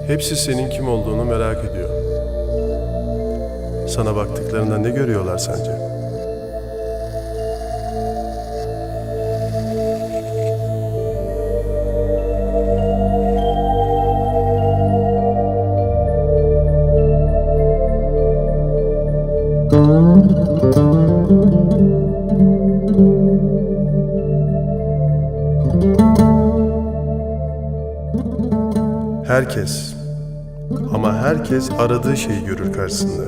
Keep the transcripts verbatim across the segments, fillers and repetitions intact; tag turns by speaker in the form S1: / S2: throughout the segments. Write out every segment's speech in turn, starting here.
S1: Hepsi senin kim olduğunu merak ediyor. Sana baktıklarında ne görüyorlar sence? Herkes, ama herkes aradığı şeyi görür karşısında.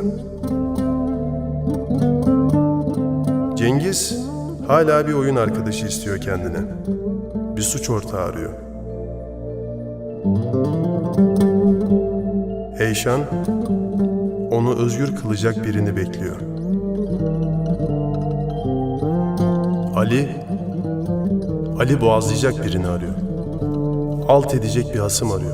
S1: Cengiz hala bir oyun arkadaşı istiyor kendine. Bir suç ortağı arıyor. Eyşan onu özgür kılacak birini bekliyor. Ali, Ali boğazlayacak birini arıyor. Alt edecek bir hasım arıyor.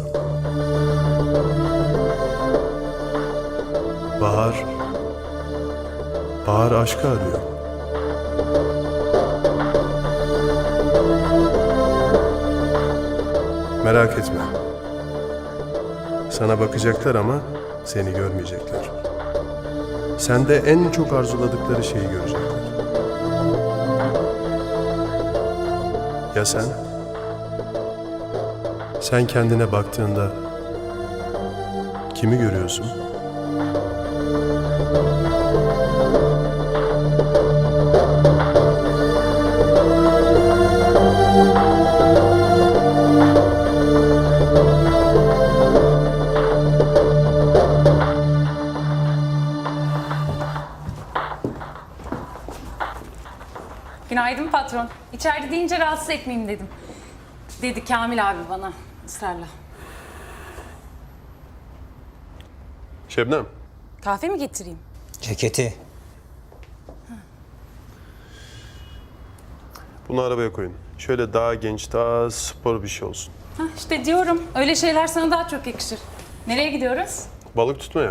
S1: Bahar, Bahar aşkı arıyor. Merak etme. Sana bakacaklar ama seni görmeyecekler. Sende en çok arzuladıkları şeyi görecekler. Ya sen? Sen kendine baktığında kimi görüyorsun?
S2: Günaydın patron. İçeride deyince rahatsız etmeyeyim dedim. Dedi Kamil abi bana ısrarla.
S1: Şebnem.
S2: Kahve mi getireyim?
S3: Ceketi.
S1: Bunu arabaya koyun. Şöyle daha genç, daha spor bir şey olsun.
S2: Hah, işte diyorum. Öyle şeyler sana daha çok yakışır. Nereye gidiyoruz?
S1: Balık tutmaya.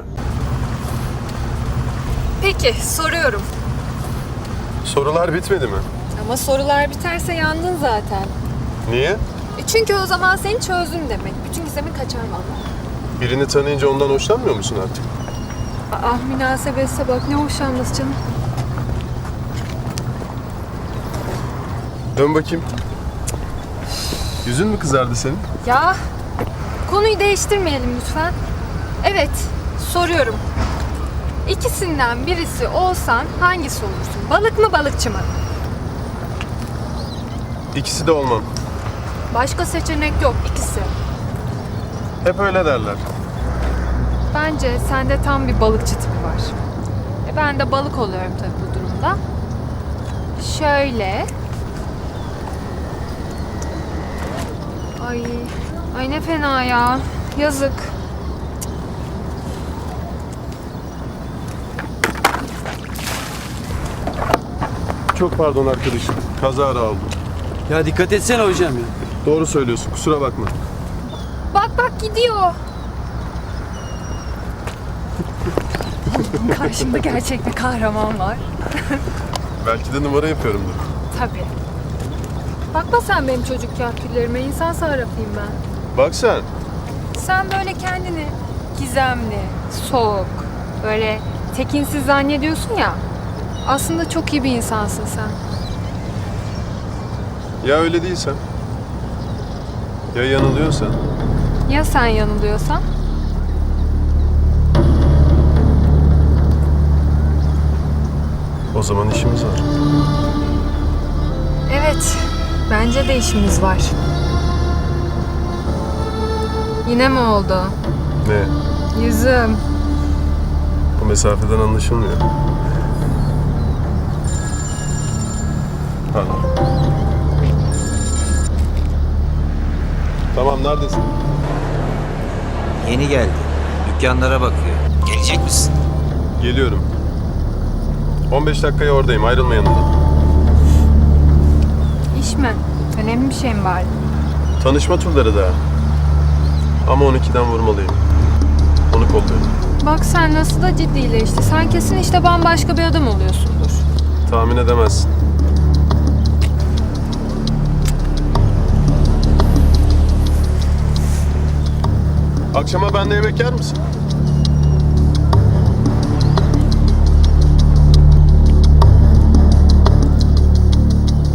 S4: Peki, soruyorum.
S1: Sorular bitmedi mi?
S4: Ama sorular biterse yandın zaten.
S1: Niye?
S4: E çünkü o zaman seni çözdüm demek. Bütün gizemin kaçar vallahi.
S1: Birini tanıyınca ondan hoşlanmıyor musun artık?
S4: Ah münasebetse bak, ne hoşlanması canım.
S1: Dön bakayım. Yüzün mü kızardı senin?
S4: Ya, konuyu değiştirmeyelim lütfen. Evet, soruyorum. İkisinden birisi olsan hangisi olursun? Balık mı, balıkçı mı?
S1: İkisi de olmam.
S4: Başka seçenek yok, ikisi.
S1: Hep öyle derler.
S4: Bence sende tam bir balıkçı tipi var. E ben de balık oluyorum tabii bu durumda. Şöyle. Ay, ay ne fena ya. Yazık.
S1: Çok pardon arkadaşım. Kazara oldu.
S5: Ya dikkat etsene hocam ya.
S1: Doğru söylüyorsun. Kusura bakma.
S4: Bak bak gidiyor. Karşımda gerçek bir kahraman var.
S1: Belki de numara yapıyorumdur.
S4: Tabii. Bakma sen benim çocuk kahküllerime. İnsan sarrafıyım ben.
S1: Bak sen.
S4: Sen böyle kendini gizemli, soğuk, böyle tekinsiz zannediyorsun ya. Aslında çok iyi bir insansın sen.
S1: Ya öyle değilsen? Ya yanılıyorsan?
S4: Ya sen yanılıyorsan?
S1: O zaman işimiz var.
S4: Evet, bence de işimiz var. Yine mi oldu?
S1: Ne?
S4: Yüzüm.
S1: Bu mesafeden anlaşılmıyor. Pardon. Tamam, neredesin?
S3: Yeni geldi. Dükkanlara bakıyor. Gelecek misin?
S1: Geliyorum. on beş dakikaya oradayım. Ayrılma yanımdan.
S4: İş mi? Önemli bir şey mi var?
S1: Tanışma turları daha. Ama on ikiden vurmalıyım. Onu kolluyorum.
S4: Bak sen nasıl da ciddileşti. Sen kesin işte bambaşka bir adam oluyorsundur.
S1: Tahmin edemezsin. Akşama bende yemek yer misin?